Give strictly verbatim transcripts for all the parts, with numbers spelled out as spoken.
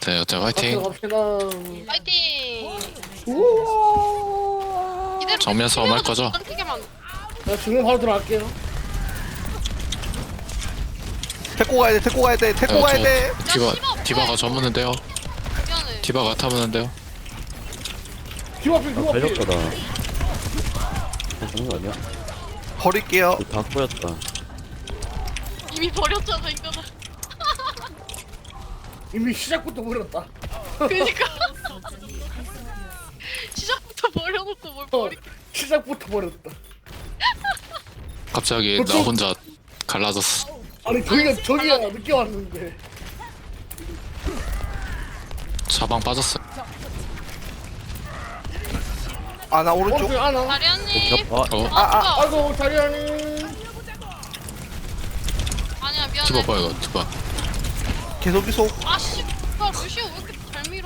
네, 여태 갑시다 화이팅. 갑시다. 파이팅! 우와. 이대로 정면 싸움 할 거죠? 끊기게만. 나 지금 바로 들어갈게요. 데리고 가야 돼, 데리고 가야 돼, 데리고 가야 돼. 디바 디바가 저무는데요. 미안해. 디바가 타무는데요. 뒤 앞에 뒤 앞에. 발렸다. 괜찮은 거 아니야? 버릴게요. 이거 다 꼬였다. 이미 버렸잖아 이거는. 이미 시작부터 버렸다. 그니까. 시작부터 버려놓고 뭘 어, 버리. 시작부터 버렸다. 갑자기 나 혼자 갈라졌어. 아니 저기가 저기가 늦게 왔는데. 자방 빠졌어. 아, 나 오른쪽. 오른쪽 하나. 다리언니. 아, 어? 아, 아, 아이고 자리하니. 아니야 미안해. 디바 봐 이거 디바. 계속 이속. 아씨. 야 루시오 왜 이렇게 잘 밀어?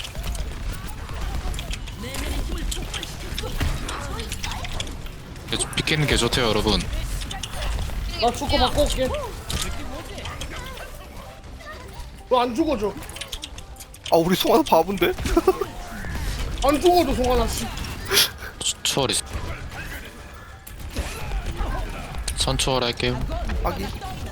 비키는 게 좋대요 여러분. 나 축구 바꿔 올게. 너 안 죽어줘. 아, 우리 송하나 바본데? 안 죽어줘 송하나 씨. 초월 있어. 선초월 할게요. 아기.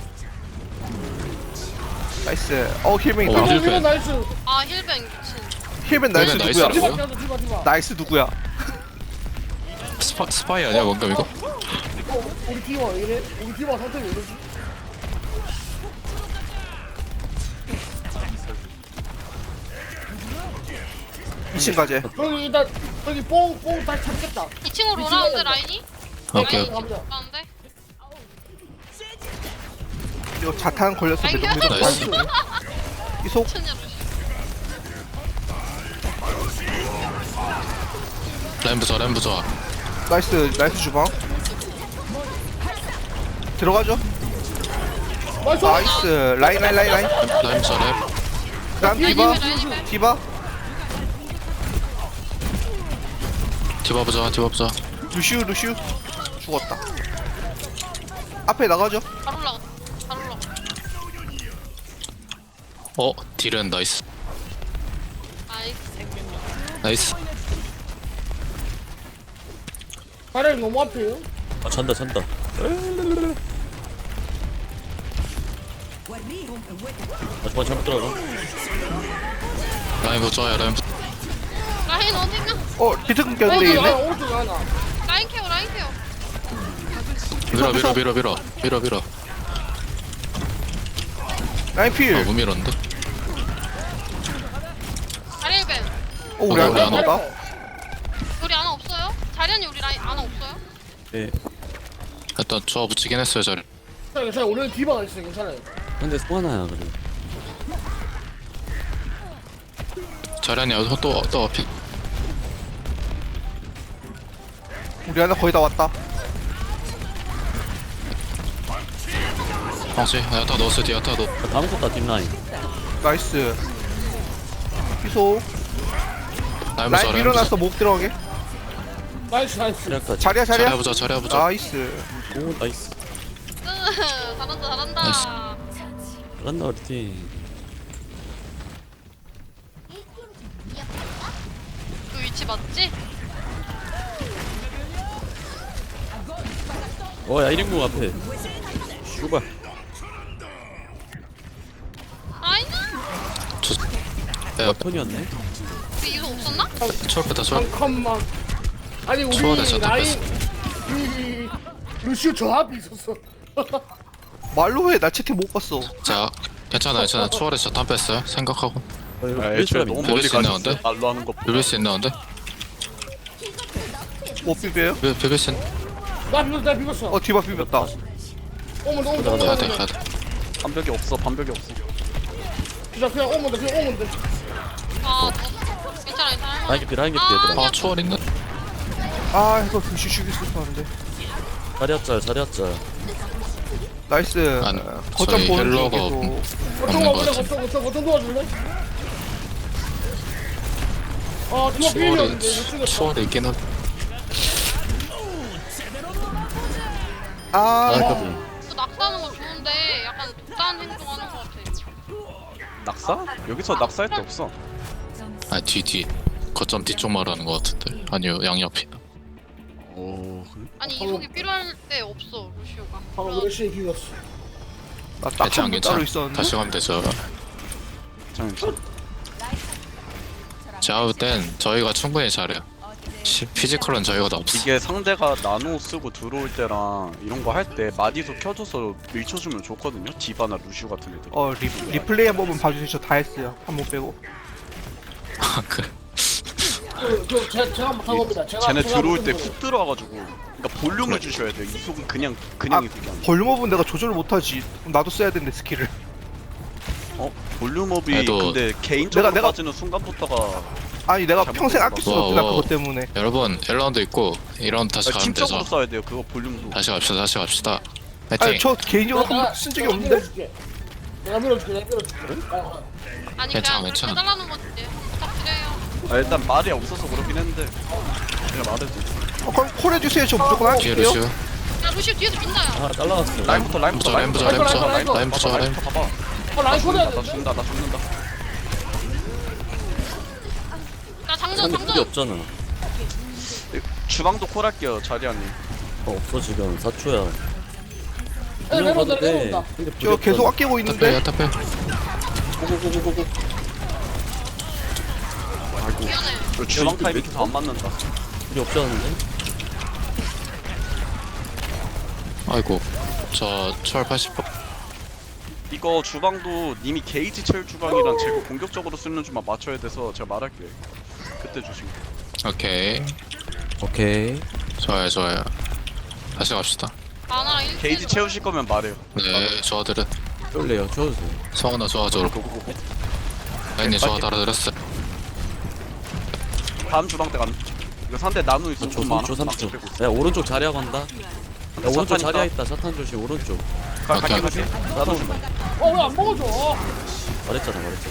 나이스. 어, 힐맨 어, 있다. 어, 힐- 이거 나이스. 아 힐뱅 미친. 힐맨 나이스 힐맨 누구야? 나이스라고요? 디바 디바 디바 디바. 나이스 누구야? 스파 스파이 아니야 뭔가 이거? 어, 우리 디바 왜 이래? 우리 디바 상태 왜 이러지? 이 층 가재. 저기 일단 저기 뽕뽕 다시 찾겠다. 이 층으로 오라는데 라인이? 오케이. 라인이 갑니다. 오라는데? 이거 자탄 걸렸어. 아이고. 매점 매점 나이스. 나이스. 이속. 천냐 루시. 라인 부좋아 라인 부좋아. 나이스. 나이스 주방. 들어가죠. 나이스. 나이스. 라인 라인 라인 라인. 라인 부좋아 라인. 그다음 라인이 디바. 왜 라인이 왜? 디바. 디바 부좋아 디바 부좋아. 루시우 루시우. 죽었다. 앞에 나가죠. 잘 올라가. 잘 올라가. 어 딜은 나이스. 나이스. 나이스. 자리 너무 앞에요. 아 찬다 찬다. 아 정말 잘못 들어가. 라인 부좋아요 라인 부. 라인 어딨냐? 어, 비트 끊겼는데 오른쪽 하나 있네. 오른쪽 하나. 라인 케어 라인 케어. 밀어 밀어 밀어 밀어 밀어 밀어. 라인 필. 아못 밀었는데? 자리 힐뱅. 어, 우리 어, 안 우리 안 나온다. 우리 아나 없어요? 자리언니 우리 라인 아나 없어요? 예. 일단 좋아 붙이긴 했어요 자리. 괜찮아요. 괜찮아요. 오늘 디바가 있어요. 괜찮아요. 근데 소하나야 그래. 자리 아니야 또또 앞에. 우리 하나 거의 다 왔다. 방치 야타 넣었어 뒤 야타 넣. 아, 다 먹었다 뒷라인. 나이스. 이속. 라인 부좋아 라인 라인 부좋아. 밀어놨어. 목 들어가게. 나이스 나이스. 시작까지. 자리야 자리야. 자리야 부좋아 자리야 부좋아. 나이스. 오 나이스. 으, 잘한다 잘한다. 나이스. 잘한다 우리 팀. 그 위치 맞지? 어야 일 인공 앞에. 슈발. 아이나. 야 턴이었네. 우리 이거 없었나? 초월 뺐다 초월. 잠깐만. 아니 우리 초월했어, 라인 이 루시오 저 앞에 있었어. 말로 해. 나 채팅 못 봤어. 자 괜찮아 괜찮아 초월에서 탄 뺐어요 생각하고. 아, 이거 아, 뺄 애초에 사람 너무 있나? 비빌 멀리 수 있나 가셨어요. 본데? 말로 하는 거. 비빌 수 있나 본데? 못 비벼요? 비- 비빌 수 있나? 나 비었어 나 비었어. 어, 디바 비볐다. 오면 돼 오면 돼 가자, 오면 가야 돼. 돼 가야 돼. 반벽이 없어. 반벽이 없어. 진짜 그냥 오면 돼 그냥 오면 돼. 아 너, 괜찮아 괜찮아. 라인 깊이 라인 깊이 아, 얘들아. 아 초월 있는? 아, 이거 루시 죽일 수 있었는데. 자리였자 자리였자. 나이스. 안, 거점 저희 보는 중 힐러가 계속. 거점 없는 것 와보자 같아. 거점 거점 거점 도와줄래? 아 디바 초월이 비었는데 못 죽였어. 초월이 있긴 한. 아, 아 까비. 그 낙사하는 거 좋은데 약간 독단 행동하는 거 같아. 낙사? 여기서 낙사할 데 없어. 아 뒤 뒤. 거점 뒤쪽 말하는 것 같은데. 아니요 양옆이다. 오 그래? 아니 이속이 필요할 때 없어 루시오가. 방금 그럼 루시오 비겼어. 나딱 괜찮 한 번 괜찮. 따로 있었는데. 다시 가면 되죠. 잠깐 제가 볼 땐 저희가 충분히 잘해요. 시- 피지컬은 저희가 더 없어. 이게 상대가 나노 쓰고 들어올 때랑 이런 거 할 때 마디도 켜줘서 밀쳐주면 좋거든요. 디바나 루시오 같은 애들. 어 리, 리플레이 한 번만 봐주세요. 저 다 했어요. 한 번 빼고. 그 그, 그, 제, 제가 못한 겁니다. 제가 쟤네 제가 들어올 못한 때 거예요. 훅 들어와가지고 그러니까 볼륨을 주셔야 돼요. 이속은 그냥 아 그냥 이속이 아니야. 볼륨업은 내가 조절을 못하지. 그럼 나도 써야 되는데 스킬을. 어? 볼륨업이 그래도 근데 개인적으로 내가- 내가- 빠지는 순간부터가 아니 내가 잘못 평생 들어봤어. 아낄 수가 없구나 와, 와. 그것 때문에. 여러분 일 라운드 있고 이 라운드 다시 가면 팀적으로 되죠. 써야 돼요. 그거 볼륨도. 다시 갑시다. 다시 갑시다. 아니 파이팅. 저 개인적으로 한 번 쓴 적이 내가 없는데. 밀어줄게. 내가 밀어줄게. 내가 밀어줄게. 아, 아니 괜찮아, 그냥 그렇게 괜찮아. 해달라는 거지. 부탁드려요. 아, 일단 말이 없어서 그렇긴 했는데 내가 말해도 어, 그럼 콜 해주세요. 저 무조건 뒤에 할게요. 루시오. 야 루시오 뒤에서 민다야. 아 잘라왔어. 라인부터 라인부터 라인 부자 라인 부자 라인 라인 부자 라인. 라인부터 봐봐. 어, 라인 코드 해야 나 돼. 죽는다 나 죽는다. 나 장전 상대 그게 장전. 없잖아. 주방도 콜할게요 자리아님. 어 없어 지금 사 초야. 야, 그냥 내려온다, 가도 돼. 내려온다. 근데 저 계속 아끼고 타페 있는데. 타페. 고고고고고고. 아이고. 미안해. 저 주방 이거 타이밍 몇- 계속 안 맞는다. 우리 없지 않은데? 아이고. 저 철 팔십 번. 이거 주방도 님이 게이지 채울 주방이랑 제가 공격적으로 쓰는 주만 맞춰야 돼서 제가 말할게요. 그때 주시면. 오케이. 오케이. 좋아요 좋아요. 다시 갑시다. 아나랑 일. 게이지 채우실 거면 말해요. 네 저들은 쫄래요. 채워주세요. 성원아 좋아져. 고고고고. 라인이 좋아 달아드렸어. 다음 주방 때 가는. 이거 상대 나누 있어 삼 초, 좀 삼 많아. 초, 삼 초. 빼고 있어. 야 오른쪽 자리야 간다. 야 오른쪽 사탄 자리야 있다. 있다. 사탄 조심 오른쪽. 가- 오케이. 갈게 갈게. 나도 좀. 어, 왜 안 먹어줘? 말했잖아 말했잖아.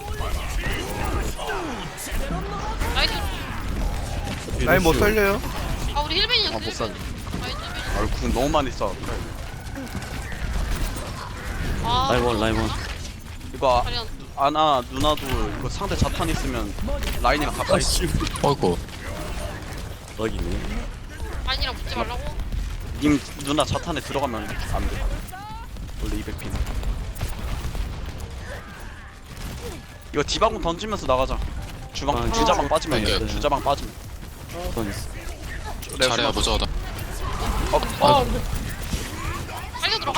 나이스. 뒤에 라인 못 루시오. 살려요. 아 우리 힐벤이었어. 아, 못 살려. 나이스 힐벤. 아유 궁 너무 많이 써. 아. 라인 원 라인 원. 이거 자리야. 아, 아나 누나도 이거 상대 자탄 있으면 라인이랑 가까이 있어. 어이구. 럭이네. 아니랑 붙지 말라고. 님 누나 자탄에 들어가면 안 돼. 원래 이백 핀. 이거 디바공 던지면서 나가자. 주방 아, 주자방 빠지면 네. 돼. 주자방 빠지면. 선 있어. 내가 잘해야 주방- 무서워다. 어, 아, 근데 달려 들어가?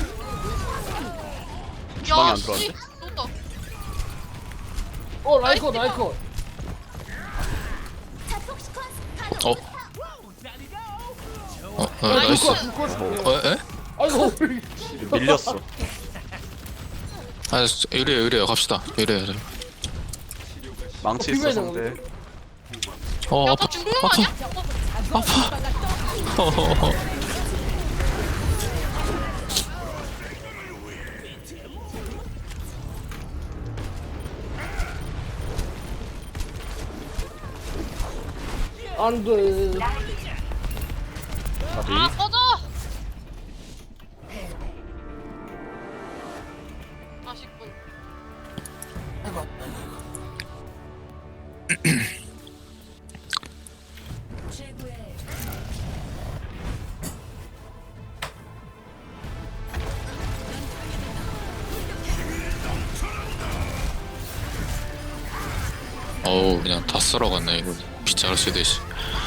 주방에 야, 안 씨. 들어왔는데? 쏜다. 어, 라인 코드, 라인 코드. 어. 어, 어 라인 나이스. 코드, 불 코드. 어, 에? 아이고, 밀렸어. 아, 이래요, 이래요. 갑시다. 이래요. 망치 어, 있어 비벼야 상대. 어, 야, 아파. 너 죽는 거 아니야? 아파. 안 돼. 아, 꺼져! 아쉽군. 어우, 그냥 다 쓸어갔네, 이거. 빗자루 쓰듯이.